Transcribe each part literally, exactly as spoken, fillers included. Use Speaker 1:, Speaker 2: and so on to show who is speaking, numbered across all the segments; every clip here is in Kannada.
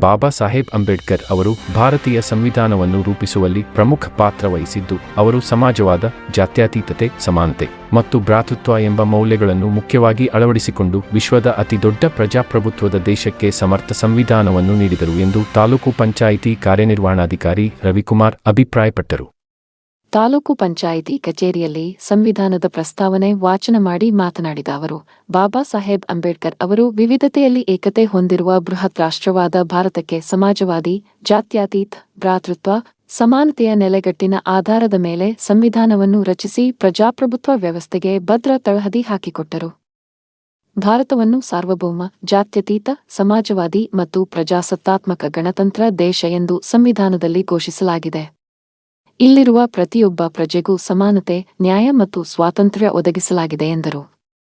Speaker 1: ಬಾಬಾ ಸಾಹೇಬ್ ಅಂಬೇಡ್ಕರ್ ಅವರು ಭಾರತೀಯ ಸಂವಿಧಾನವನ್ನು ರೂಪಿಸುವಲ್ಲಿ ಪ್ರಮುಖ ಪಾತ್ರ ವಹಿಸಿದ್ದು, ಅವರು ಸಮಾಜವಾದ, ಜಾತ್ಯತೀತತೆ, ಸಮಾನತೆ ಮತ್ತು ಭ್ರಾತೃತ್ವ ಎಂಬ ಮೌಲ್ಯಗಳನ್ನು ಮುಖ್ಯವಾಗಿ ಅಳವಡಿಸಿಕೊಂಡು ವಿಶ್ವದ ಅತಿದೊಡ್ಡ ಪ್ರಜಾಪ್ರಭುತ್ವದ ದೇಶಕ್ಕೆ ಸಮರ್ಥ ಸಂವಿಧಾನವನ್ನು ನೀಡಿದರು ಎಂದು ತಾಲೂಕು ಪಂಚಾಯಿತಿ ಕಾರ್ಯನಿರ್ವಹಣಾಧಿಕಾರಿ ರವಿಕುಮಾರ್ ಅಭಿಪ್ರಾಯಪಟ್ಟರು.
Speaker 2: ತಾಲೂಕು ಪಂಚಾಯಿತಿ ಕಚೇರಿಯಲ್ಲಿ ಸಂವಿಧಾನದ ಪ್ರಸ್ತಾವನೆ ವಾಚನ ಮಾಡಿ ಮಾತನಾಡಿದ ಅವರು, ಬಾಬಾ ಸಾಹೇಬ್ ಅಂಬೇಡ್ಕರ್ ಅವರು ವಿವಿಧತೆಯಲ್ಲಿ ಏಕತೆ ಹೊಂದಿರುವ ಬೃಹತ್ ರಾಷ್ಟ್ರವಾದ ಭಾರತಕ್ಕೆ ಸಮಾಜವಾದಿ, ಜಾತ್ಯತೀತ, ಭ್ರಾತೃತ್ವ, ಸಮಾನತೆಯ ನೆಲೆಗಟ್ಟಿನ ಆಧಾರದ ಮೇಲೆ ಸಂವಿಧಾನವನ್ನು ರಚಿಸಿ ಪ್ರಜಾಪ್ರಭುತ್ವ ವ್ಯವಸ್ಥೆಗೆ ಭದ್ರ ತಳಹದಿ ಹಾಕಿಕೊಟ್ಟರು. ಭಾರತವನ್ನು ಸಾರ್ವಭೌಮ, ಜಾತ್ಯತೀತ, ಸಮಾಜವಾದಿ ಮತ್ತು ಪ್ರಜಾಸತ್ತಾತ್ಮಕ ಗಣತಂತ್ರ ದೇಶ ಎಂದು ಸಂವಿಧಾನದಲ್ಲಿ ಘೋಷಿಸಲಾಗಿದೆ. ಇಲ್ಲಿರುವ ಪ್ರತಿಯೊಬ್ಬ ಪ್ರಜೆಗೂ ಸಮಾನತೆ, ನ್ಯಾಯ ಮತ್ತು ಸ್ವಾತಂತ್ರ್ಯ ಒದಗಿಸಲಾಗಿದೆ ಎಂದರು.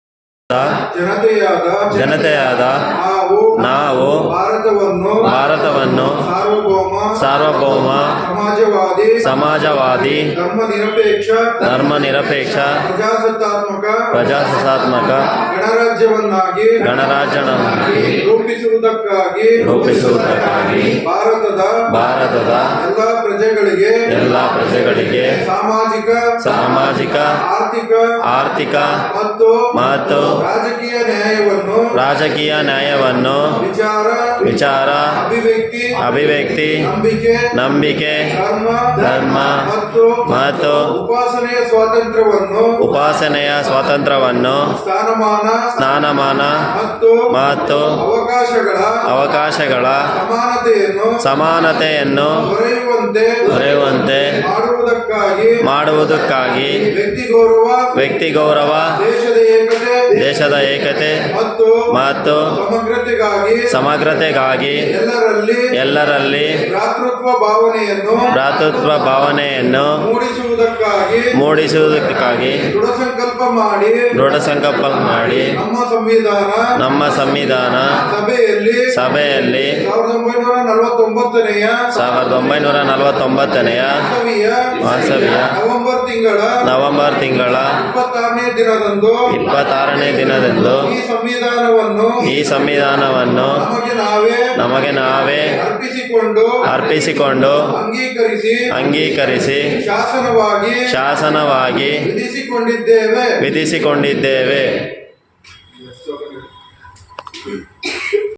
Speaker 3: ಜನತೆಯಾದ ನಾವು ಭಾರತವನ್ನು ಸಾರ್ವಭೌಮ, ಸಮಾಜವಾದಿ, ಧರ್ಮನಿರಪೇಕ್ಷ, ಪ್ರಜಾಸತ್ತಾತ್ಮಕ
Speaker 4: ಗಣರಾಜ್ಯವನ್ನಾಗಿ
Speaker 3: ಗಣರಾಜ್ಯವನ್ನಾಗಿ
Speaker 4: ರೂಪಿಸುವುದಕ್ಕಾಗಿ
Speaker 3: ರೂಪಿಸುವುದಕ್ಕಾಗಿ
Speaker 4: ಭಾರತದ
Speaker 3: ಭಾರತದ
Speaker 4: ಎಲ್ಲ ಪ್ರಜೆಗಳಿಗೆ
Speaker 3: ಎಲ್ಲ ಪ್ರಜೆಗಳಿಗೆ
Speaker 4: ಸಾಮಾಜಿಕ
Speaker 3: ಸಾಮಾಜಿಕ
Speaker 4: ಆರ್ಥಿಕ
Speaker 3: ಆರ್ಥಿಕ
Speaker 4: ಮತ್ತು
Speaker 3: ಮತ್ತು
Speaker 4: ರಾಜಕೀಯ ನ್ಯಾಯವನ್ನು
Speaker 3: ರಾಜಕೀಯ ನ್ಯಾಯವನ್ನು
Speaker 4: ವಿಚಾರ
Speaker 3: ವಿಚಾರ
Speaker 4: ಅಭಿವ್ಯಕ್ತಿ
Speaker 3: ಅಭಿವ್ಯಕ್ತಿ
Speaker 4: ನಂಬಿಕೆ
Speaker 3: ನಂಬಿಕೆ
Speaker 4: ಧರ್ಮ
Speaker 3: ಧರ್ಮ
Speaker 4: ಮತ್ತು
Speaker 3: ಮತ್ತು
Speaker 4: ಉಪಾಸನೆಯ ಸ್ವಾತಂತ್ರ್ಯವನ್ನು
Speaker 3: ಉಪಾಸನೆಯ ಸ್ವಾತಂತ್ರ್ಯವನ್ನು
Speaker 4: ಸ್ಥಾನಮಾನ
Speaker 3: ಸ್ನಾನಮಾನ
Speaker 4: ಮತ್ತು
Speaker 3: ಮತ್ತು
Speaker 4: ಅವಕಾಶಗಳ
Speaker 3: ಅವಕಾಶಗಳ
Speaker 4: ಸಮಾನತೆಯನ್ನು
Speaker 3: ಸಮಾನತೆಯನ್ನು
Speaker 4: ದೊರೆಯುವಂತೆ
Speaker 3: ದೊರೆಯುವಂತೆ
Speaker 4: ಮಾಡುವುದಕ್ಕಾಗಿ
Speaker 3: ಮಾಡುವುದಕ್ಕಾಗಿ
Speaker 4: ವ್ಯಕ್ತಿ ಗೌರವ
Speaker 3: ವ್ಯಕ್ತಿ ಗೌರವ
Speaker 4: ದೇಶದ ಏಕತೆ
Speaker 3: ದೇಶದ ಏಕತೆ
Speaker 4: ಮತ್ತು
Speaker 3: ಮತ್ತು
Speaker 4: ಸಮಗ್ರತೆಗಾಗಿ
Speaker 3: ಸಮಗ್ರತೆಗಾಗಿ
Speaker 4: ಎಲ್ಲರಲ್ಲಿ
Speaker 3: ಎಲ್ಲರಲ್ಲಿ
Speaker 4: ಭ್ರಾತೃತ್ವ ಭಾವನೆಯನ್ನು
Speaker 3: ಭ್ರಾತೃತ್ವ ಭಾವನೆಯನ್ನು
Speaker 4: ಮೂಡಿಸುವುದಕ್ಕಾಗಿ
Speaker 3: ಮೂಡಿಸುವುದಕ್ಕಾಗಿ
Speaker 4: ದೃಢ ಸಂಕಲ್ಪ ಮಾಡಿ
Speaker 3: ದೃಢ ಸಂಕಲ್ಪ ಮಾಡಿ
Speaker 4: ನಮ್ಮ ಸಂವಿಧಾನ
Speaker 3: ನಮ್ಮ ಸಂವಿಧಾನ
Speaker 4: ಸಭೆಯಲ್ಲಿ
Speaker 3: ಸಭೆಯಲ್ಲಿ
Speaker 4: ಸಾವಿರದ ಒಂಬೈನೂರ ನಲವತ್ತೊಂಬತ್ತನೆಯ
Speaker 3: ಸಾವಿರದ ಒಂಬೈನೂರ ನಲವತ್ತೊಂಬತ್ತನೆಯ ವಾಸವಿಯ
Speaker 4: ನವೆಂಬರ್ ತಿಂಗಳ
Speaker 3: ನವೆಂಬರ್ ತಿಂಗಳ
Speaker 4: ಇಪ್ಪತ್ತಾರನೇ ದಿನದಂದು
Speaker 3: ಇಪ್ಪತ್ತಾರನೇ ದಿನದಂದು
Speaker 4: ಈ ಸಂವಿಧಾನವನ್ನು
Speaker 3: ಈ ಸಂವಿಧಾನವನ್ನು
Speaker 4: ನಮಗೆ ನಾವೇ
Speaker 3: ನಮಗೆ ನಾವೇ
Speaker 4: ಅರ್ಪಿಸಿಕೊಂಡು
Speaker 3: ಅರ್ಪಿಸಿಕೊಂಡು
Speaker 4: ಅಂಗೀಕರಿಸಿ
Speaker 3: ಅಂಗೀಕರಿಸಿ
Speaker 4: ಶಾಸನವಾಗಿ
Speaker 3: ಶಾಸನವಾಗಿ
Speaker 4: ವಿಧಿಸಿಕೊಂಡಿದ್ದೇವೆ
Speaker 3: ವಿಧಿಸಿಕೊಂಡಿದ್ದೇವೆ.